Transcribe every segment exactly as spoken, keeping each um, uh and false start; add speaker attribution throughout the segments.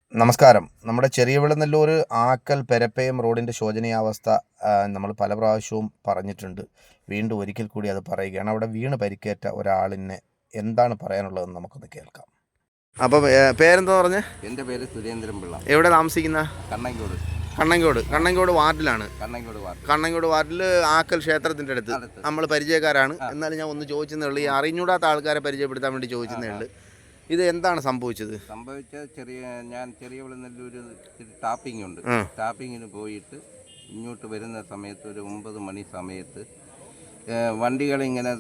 Speaker 1: നമസ്കാരം. നമ്മുടെ ചെറിയ വിളനല്ലൂർ ആക്കൽ പെരപ്പയം റോഡിൻ്റെ ശോചനീയാവസ്ഥ നമ്മൾ പല പ്രാവശ്യവും പറഞ്ഞിട്ടുണ്ട്. വീണ്ടും ഒരിക്കൽ കൂടി അത് പറയുകയാണ്. അവിടെ വീണ് പരിക്കേറ്റ ഒരാളിനെ എന്താണ് പറയാനുള്ളതെന്ന് നമുക്കൊന്ന് കേൾക്കാം. അപ്പോൾ പേരെന്താ പറഞ്ഞേ?
Speaker 2: എൻ്റെ പേര് സുരേന്ദ്രൻ പിള്ള.
Speaker 1: എവിടെ താമസിക്കുന്ന?
Speaker 2: കണ്ണങ്കോട്.
Speaker 1: കണ്ണങ്കോട് കണ്ണങ്കോട് വാർഡിലാണ്.
Speaker 2: കണ്ണങ്കോട് വാർഡ്
Speaker 1: കണ്ണങ്കോട് വാർഡിൽ ആക്കൽ ക്ഷേത്രത്തിൻ്റെ അടുത്ത്. നമ്മൾ പരിചയക്കാരാണ്. എന്നാലും ഞാൻ ഒന്ന് ചോദിച്ചെന്നേ ഉള്ളൂ. ഈ അറിഞ്ഞൂടാത്ത ആൾക്കാരെ പരിചയപ്പെടുത്താൻ വേണ്ടി ചോദിച്ചെന്നേ ഉള്ളൂ. ഇത് എന്താണ് സംഭവിച്ചത്?
Speaker 2: സംഭവിച്ച ചെറിയ ഞാൻ ചെറിയ വിളനല്ലൂർ ടാപ്പിംഗ് ഉണ്ട്. ടാപ്പിങ്ങിന് പോയിട്ട് ഇങ്ങോട്ട് വരുന്ന സമയത്ത് ഒരു ഒമ്പത് മണി സമയത്ത് വണ്ടികളിങ്ങനെ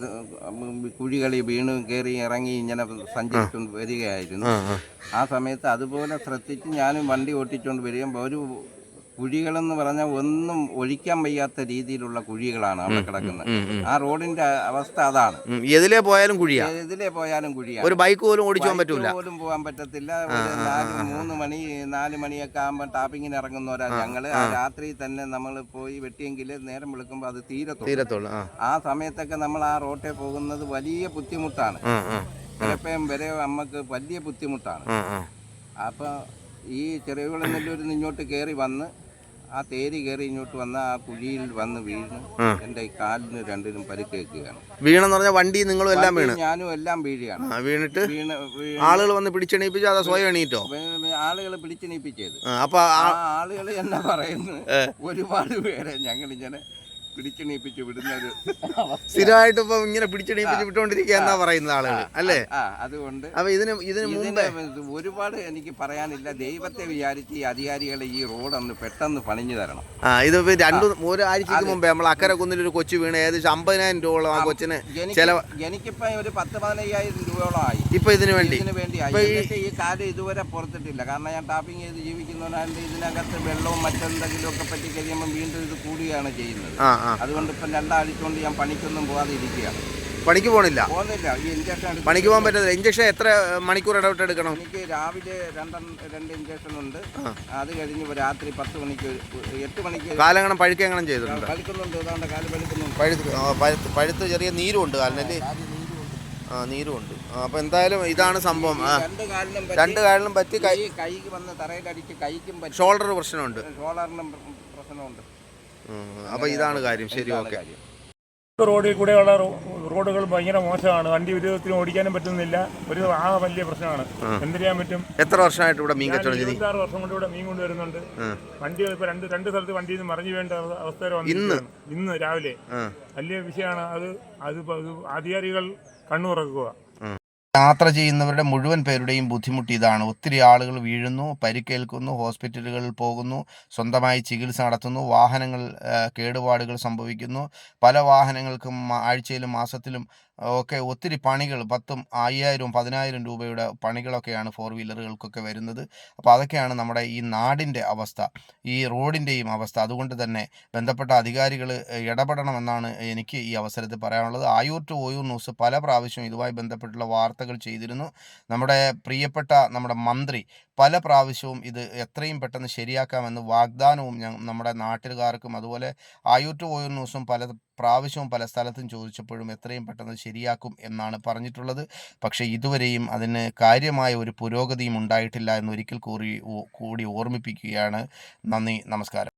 Speaker 2: കുഴികളി വീണ് കയറി ഇറങ്ങി ഇങ്ങനെ സഞ്ചരിച്ചുകൊണ്ട് വരികയായിരുന്നു. ആ സമയത്ത് അതുപോലെ ശ്രദ്ധിച്ച് ഞാനും വണ്ടി ഓട്ടിച്ചുകൊണ്ട് വരികയും ഒരു കുഴികളെന്ന് പറഞ്ഞാൽ ഒന്നും ഒഴിക്കാൻ വയ്യാത്ത രീതിയിലുള്ള കുഴികളാണ് അവിടെ കിടക്കുന്നത്. ആ റോഡിന്റെ അവസ്ഥ അതാണ്.
Speaker 1: എതിലേ പോയാലും കുഴിയാ,
Speaker 2: എതിലേ പോയാലും കുഴിയാണ്.
Speaker 1: ഒരു ബൈക്ക് പോലും ഓടിച്ചു പോകാൻ പറ്റൂല,
Speaker 2: പോലും പോകാൻ പറ്റത്തില്ല. നാല് മൂന്ന് മണി നാല് മണിയൊക്കെ ആകുമ്പോൾ ടാപ്പിങ്ങിന് ഇറങ്ങുന്നവരാ ഞങ്ങള്. ആ രാത്രി തന്നെ നമ്മൾ പോയി വെട്ടിയെങ്കിൽ നേരം വിളിക്കുമ്പോൾ അത് തീരത്തുള്ളൂ. ആ സമയത്തൊക്കെ നമ്മൾ ആ റോട്ടിൽ പോകുന്നത് വലിയ ബുദ്ധിമുട്ടാണ്. ചിലപ്പം വരെ നമുക്ക് വലിയ ബുദ്ധിമുട്ടാണ്. അപ്പൊ ഈ ചെറിയ വിളനല്ലൂരിൽ ഇങ്ങോട്ട് കയറി വന്ന് ആ തേരി കയറി ഇങ്ങോട്ട് വന്ന ആ കുഴിയിൽ വന്ന് വീണ് എന്റെ കാലിന് രണ്ടിനും പരിക്കേൽക്കുകയാണ്.
Speaker 1: വീണെന്ന് പറഞ്ഞാൽ വണ്ടി നിങ്ങളും എല്ലാം വീണ്?
Speaker 2: ഞാനും എല്ലാം വീഴുകയാണ്.
Speaker 1: വീണിട്ട് ആളുകൾ വന്ന് പിടിച്ചെണീപ്പിച്ചു, അതോ സ്വയം എണീറ്റോ?
Speaker 2: ആളുകൾ പിടിച്ചെണീപ്പിച്ചത്.
Speaker 1: അപ്പൊ
Speaker 2: ആളുകൾ എന്നാ പറയുന്നത്, ഒരുപാട് പേരെ ഞങ്ങളിങ്ങനെ പിടിച്ചെണീപ്പിച്ച് വിടുന്ന ഒരു
Speaker 1: സ്ഥിരമായിട്ട് ഇപ്പൊ ഇങ്ങനെ പിടിച്ചെണീപ്പിച്ച് വിട്ടുകൊണ്ടിരിക്കുക എന്നാ പറയുന്നത് ആളുകൾ അല്ലേ?
Speaker 2: അതുകൊണ്ട്
Speaker 1: അപ്പൊ ഇതിന് ഇതിന് മുമ്പേ
Speaker 2: ഒരുപാട് എനിക്ക് പറയാനില്ല. ദൈവത്തെ വിചാരിച്ച് ഈ അധികാരികളെ ഈ റോഡ് ഒന്ന് പെട്ടെന്ന് പണിഞ്ഞു തരണം.
Speaker 1: ആ ഇത് രണ്ടു ഒരാഴ്ചക്ക് മുമ്പേ നമ്മൾ അക്കരെ കുന്നിൽ ഒരു കൊച്ചു വീണ് ഏകദേശം അമ്പതിനായിരം രൂപയോളം ആ കൊച്ചിന് ചെലവ്.
Speaker 2: എനിക്കിപ്പോ ഒരു പത്ത് പതിനയ്യായിരം രൂപയോളം ആയി
Speaker 1: ഇപ്പൊ ഇതിനു വേണ്ടി.
Speaker 2: ഇതിനു വേണ്ടി ഈ കാര്യം ഇതുവരെ പുറത്തിട്ടില്ല. കാരണം ഞാൻ ടാപ്പിംഗ് ചെയ്ത് ജീവിക്കുന്നവരാണ്ട് ഇതിനകത്ത് വെള്ളവും മറ്റെന്തെങ്കിലും ഒക്കെ പറ്റി കഴിയുമ്പോൾ വീണ്ടും ഇത് കൂടുകയാണ് ചെയ്യുന്നത്. അതുകൊണ്ട് ഇപ്പം രണ്ടാഴ്ച കൊണ്ട് ഞാൻ പണിക്കൊന്നും പോകാതെ ഇരിക്കുകയാണ്.
Speaker 1: പണിക്ക് പോകണില്ല?
Speaker 2: പോകുന്നില്ല. ഈ ഇഞ്ചക്ഷൻ
Speaker 1: പണിക്ക് പോകാൻ പറ്റത്തില്ല. ഇഞ്ചക്ഷൻ എത്ര മണിക്കൂർ ഇടവിട്ട് എടുക്കണം?
Speaker 2: എനിക്ക് രാവിലെ രണ്ട് രണ്ട് ഇഞ്ചക്ഷൻ ഉണ്ട്. അത് കഴിഞ്ഞ് രാത്രി പത്ത് മണിക്ക് എട്ട് മണിക്ക്
Speaker 1: കാലങ്ങണം പഴുക്കെങ്ങനെ ചെയ്തിട്ടുണ്ട്?
Speaker 2: പഴുക്കുന്നുണ്ട്. ഏതാണ്ട് കാല് പഴുക്കുന്നുണ്ട്.
Speaker 1: പഴുത്ത് പഴുത്ത് ചെറിയ നീരും ഉണ്ട് കാലിനല്ലേ? ആ നീരും ഉണ്ട്. അപ്പൊ എന്തായാലും ഇതാണ് സംഭവം. രണ്ട് കാലിനും പറ്റി
Speaker 2: കൈക്ക് വന്ന് തറയിലടിച്ച് കൈക്കും പറ്റി.
Speaker 1: ഷോൾഡർ പ്രശ്നമുണ്ട്.
Speaker 2: ഷോൾഡറിനും പ്രശ്നമുണ്ട്.
Speaker 1: അപ്പൊ ഇതാണ് കാര്യം. ശരി, ഓക്കെ.
Speaker 3: റോഡിൽ കൂടെയുള്ള റോഡുകൾ ഭയങ്കര മോശമാണ്. വണ്ടി ഒരു വിധത്തിലും ഓടിക്കാനും പറ്റുന്നില്ല. ഒരു ആ വലിയ പ്രശ്നമാണ്. എന്ത് ചെയ്യാൻ പറ്റും?
Speaker 1: എത്ര വർഷമായിട്ട് ഇവിടെ മീൻ കച്ചവടം?
Speaker 3: ഇരുപത്താറ് വർഷം കൊണ്ട് ഇവിടെ മീൻ കൊണ്ടുവരുന്നുണ്ട്. വണ്ടികൾ ഇപ്പൊ രണ്ട് രണ്ട് സ്ഥലത്ത് വണ്ടിയിൽ നിന്ന് മറിഞ്ഞു വേണ്ട അവസ്ഥ വന്നു. ഇന്ന് രാവിലെ വലിയ വിഷയമാണ് അത്. അത് അധികാരികൾ കണ്ണുറക്കുക.
Speaker 1: യാത്ര ചെയ്യുന്നവരുടെ മുഴുവൻ പേരുടെയും ബുദ്ധിമുട്ട് ഇതാണ്. ഒത്തിരി ആളുകൾ വീഴുന്നു, പരിക്കേൽക്കുന്നു, ഹോസ്പിറ്റലുകളിൽ പോകുന്നു, സ്വന്തമായി ചികിത്സ നടത്തുന്നു, വാഹനങ്ങൾ കേടുപാടുകൾ സംഭവിക്കുന്നു. പല വാഹനങ്ങൾക്കും ആഴ്ചയിലും മാസത്തിലും ഒക്കെ ഒത്തിരി പണികൾ, പത്തും അയ്യായിരവും പതിനായിരം രൂപയുടെ പണികളൊക്കെയാണ് ഫോർ വീലറുകൾക്കൊക്കെ വരുന്നത്. അപ്പോൾ അതൊക്കെയാണ് നമ്മുടെ ഈ നാടിൻ്റെ അവസ്ഥ, ഈ റോഡിൻ്റെയും അവസ്ഥ. അതുകൊണ്ട് തന്നെ ബന്ധപ്പെട്ട അധികാരികൾ ഇടപെടണമെന്നാണ് എനിക്ക് ഈ അവസരത്തിൽ പറയാനുള്ളത്. ആയൂർ ടു ഓയൂർ ന്യൂസ് പല പ്രാവശ്യവും ഇതുമായി ബന്ധപ്പെട്ടുള്ള വാർത്തകൾ ചെയ്തിരുന്നു. നമ്മുടെ പ്രിയപ്പെട്ട നമ്മുടെ മന്ത്രി പല പ്രാവശ്യവും ഇത് എത്രയും പെട്ടെന്ന് ശരിയാക്കാമെന്ന് വാഗ്ദാനവും ഞാൻ നമ്മുടെ നാട്ടുകാർക്കും അതുപോലെ ആയൂർ ടു ഓയൂർ ന്യൂസും പല പ്രാവശ്യവും പല സ്ഥലത്തും ചോദിച്ചപ്പോഴും എത്രയും പെട്ടെന്ന് ശരിയാക്കും എന്നാണ് പറഞ്ഞിട്ടുള്ളത്. പക്ഷേ ഇതുവരെയും അതിന് കാര്യമായ ഒരു പുരോഗതിയും ഉണ്ടായിട്ടില്ല എന്നൊരിക്കൽ കൂടി കൂടി ഓർമ്മിപ്പിക്കുകയാണ്. നന്ദി, നമസ്കാരം.